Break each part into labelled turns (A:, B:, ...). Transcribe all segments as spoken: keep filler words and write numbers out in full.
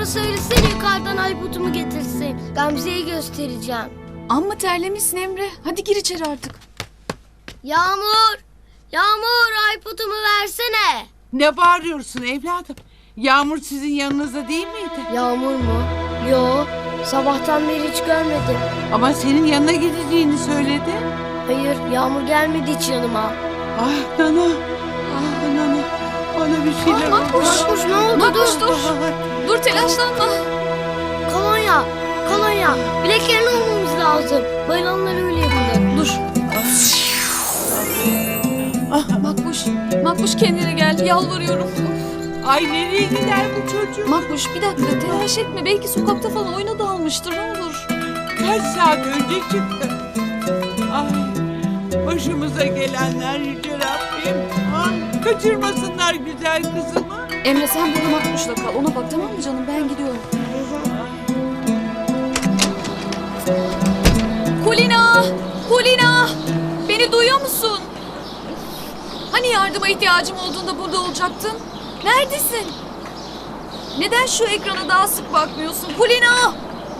A: söylesene yukarıdan Aybut'umu getirsin. Gamze'yi göstereceğim.
B: Amma terlemişsin Emre. Hadi gir içeri artık.
A: Yağmur! Yağmur Aybut'umu versene.
C: Ne bağırıyorsun evladım? Yağmur sizin yanınızda değil miydi?
A: Yağmur mu? Yo, sabahtan beri hiç görmedim.
C: Ama senin yanına gideceğini söyledi.
A: Hayır, Yağmur gelmedi hiç yanıma.
C: Ah Nana, ah Nana. Bana bir şeyler
B: Ah, Makbuş.
A: Makbuş ne oldu?
B: Makbuş
A: dur.
B: dur. Dur telaşlanma.
A: Kolonya, kolonya. Bileklerini almamız lazım. Bayılanlar öyle yapılır.
B: Dur. Makbuş. Makbuş kendine gel. Yalvarıyorum.
C: Ay nereye gider bu çocuk?
B: Makbuş bir dakika telaş etme. Belki sokakta falan oyuna dalmıştır. Ne olur.
C: Kaç saat önce çıktı. Ay başımıza gelenler yüce Rabbim. Ay, kaçırmasınlar güzel kızımı.
B: Emre sen burada Makbuş'la kal. Ona bak tamam mı canım? Ben gidiyorum. Kulina! Kulina! Beni duyuyor musun? Hani yardıma ihtiyacım olduğunda burada olacaktın? Neredesin? Neden şu ekrana daha sık bakmıyorsun? Kulina!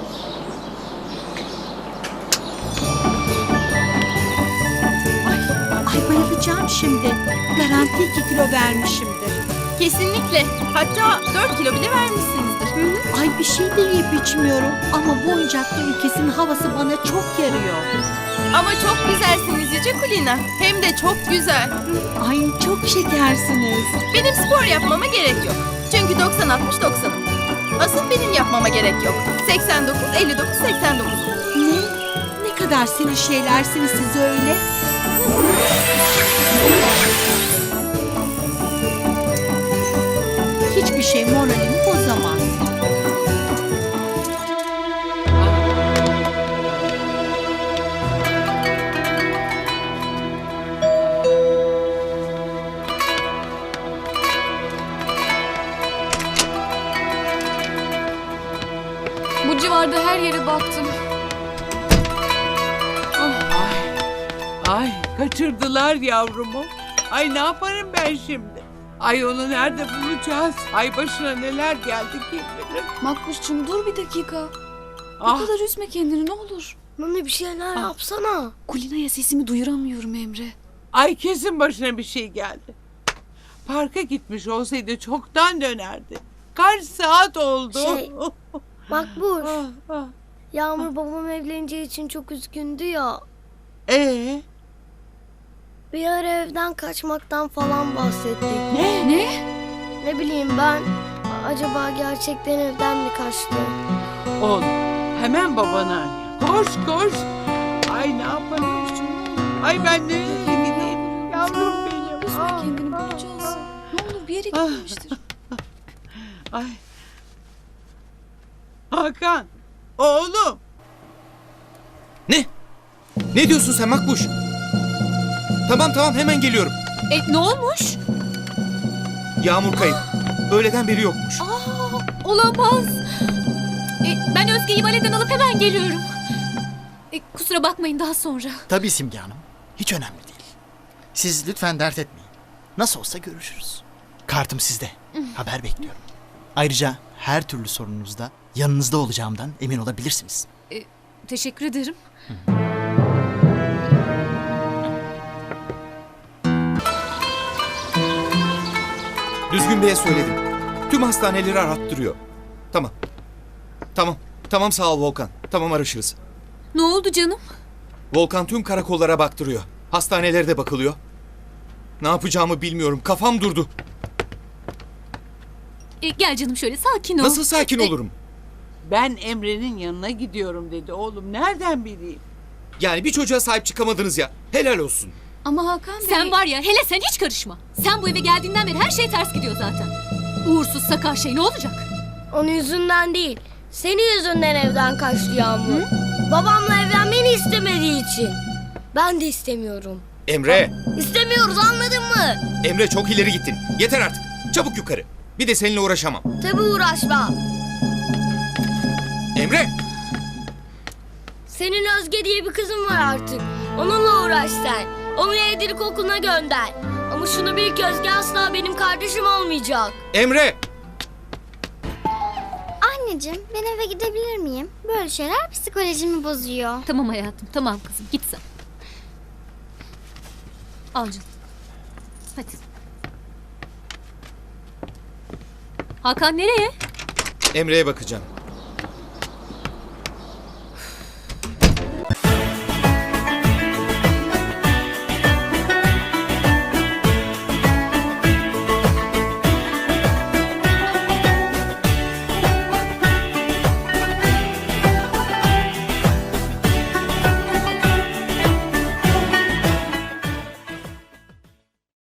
D: Ay bayılacağım şimdi. Garanti iki kilo vermişimdir.
E: Kesinlikle. Hatta dört kilo bile vermişsinizdir.
D: Ay bir şey de yiyip içmiyorum. Ama bu oyuncaklı ülkesinin havası bana çok yarıyor.
E: Ama çok güzelsiniz Yüce Kulina. Hem de çok güzel.
D: Ay çok şekersiniz.
E: Benim spor yapmama gerek yok. Çünkü doksan altmış doksanım. Asıl benim yapmama gerek yok. seksen dokuz elli dokuz seksen dokuz.
D: Ne? Ne kadar senin şeylersiniz siz öyle? Hiçbir şey moralimi bozamaz.
B: Bu civarda her yere baktım.
C: Ay kaçırdılar yavrumu. Ay ne yaparım ben şimdi? Ay onu nerede bulacağız? Ay başına neler geldi kim bilir.
B: Makbuş'cum dur bir dakika. Bu
C: Ah,
B: kadar üzme kendini ne olur.
A: Nane bir şeyler yapsana.
B: Kulina'ya sesimi duyuramıyorum Emre.
C: ay kesin başına bir şey geldi. Parka gitmiş olsaydı çoktan dönerdi. Kaç saat oldu?
A: Şey- Makbuş,
C: Ah, ah.
A: Yağmur babam evleneceği için çok üzgündü ya.
C: Ee,
A: Bir ara evden kaçmaktan falan bahsettik.
C: ne?
B: Ne?
A: Ne bileyim ben, acaba gerçekten evden mi kaçtı?
C: Oğlum hemen babanı arıyor. Koş koş. Ay ne yaparım şimdi? Ay ben nereye gideyim? Yavrum benim.
B: Üzme
C: Ah,
B: kendini
C: ah,
B: bulacağız. Ne olur bir yere
C: Ah.
B: gitmiştir.
C: Ay. Hakan. Oğlum.
F: Ne? Ne diyorsun sen Makbuş? Tamam tamam hemen geliyorum.
B: E ne olmuş?
F: Yağmur kayıp. Öğleden beri yokmuş.
B: Aa, olamaz. E, ben Özge'yi valeden alıp hemen geliyorum. E, kusura bakmayın daha sonra.
G: Tabii Simge Hanım. Hiç önemli değil. Siz lütfen dert etmeyin. Nasıl olsa görüşürüz. Kartım sizde. Haber bekliyorum. Ayrıca her türlü sorununuzda yanınızda olacağımdan emin olabilirsiniz.
B: Teşekkür ederim.
F: Düzgün Bey'e söyledim. Tüm hastaneleri arattırıyor. Tamam. Tamam. Tamam sağ ol Volkan. Tamam araşırız.
B: Ne oldu canım?
F: Volkan tüm karakollara baktırıyor. Hastanelere de bakılıyor. Ne yapacağımı bilmiyorum. Kafam durdu.
B: E, gel canım şöyle sakin ol.
F: Nasıl sakin
B: E,
F: olurum?
C: Ben Emre'nin yanına gidiyorum dedi oğlum. Nereden bileyim?
F: Yani bir çocuğa sahip çıkamadınız ya. Helal olsun.
B: Ama Hakan Bey...
H: Sen var ya hele sen hiç karışma. Sen bu eve geldiğinden beri her şey ters gidiyor zaten. Uğursuz sakar şey ne olacak?
A: Onun yüzünden değil, senin yüzünden evden kaçtı Yağmur. Babamla evlenmeni istemediği için. Ben de istemiyorum.
F: Emre.
A: İstemiyoruz, anladın mı?
F: Emre çok ileri gittin. Yeter artık. Çabuk yukarı. Bir de seninle uğraşamam.
A: Tabii uğraşma.
F: Emre.
A: Senin Özge diye bir kızın var artık. Onunla uğraş sen. Onu evlilik okuluna gönder. Ama şunu bil ki Özge asla benim kardeşim olmayacak.
F: Emre.
A: Anne.
I: Anneciğim ben eve gidebilir miyim? Böyle şeyler psikolojimi bozuyor.
H: Tamam hayatım, tamam kızım. Git sen. Al canım. Hadi. Hakan nereye?
F: Emre'ye bakacağım.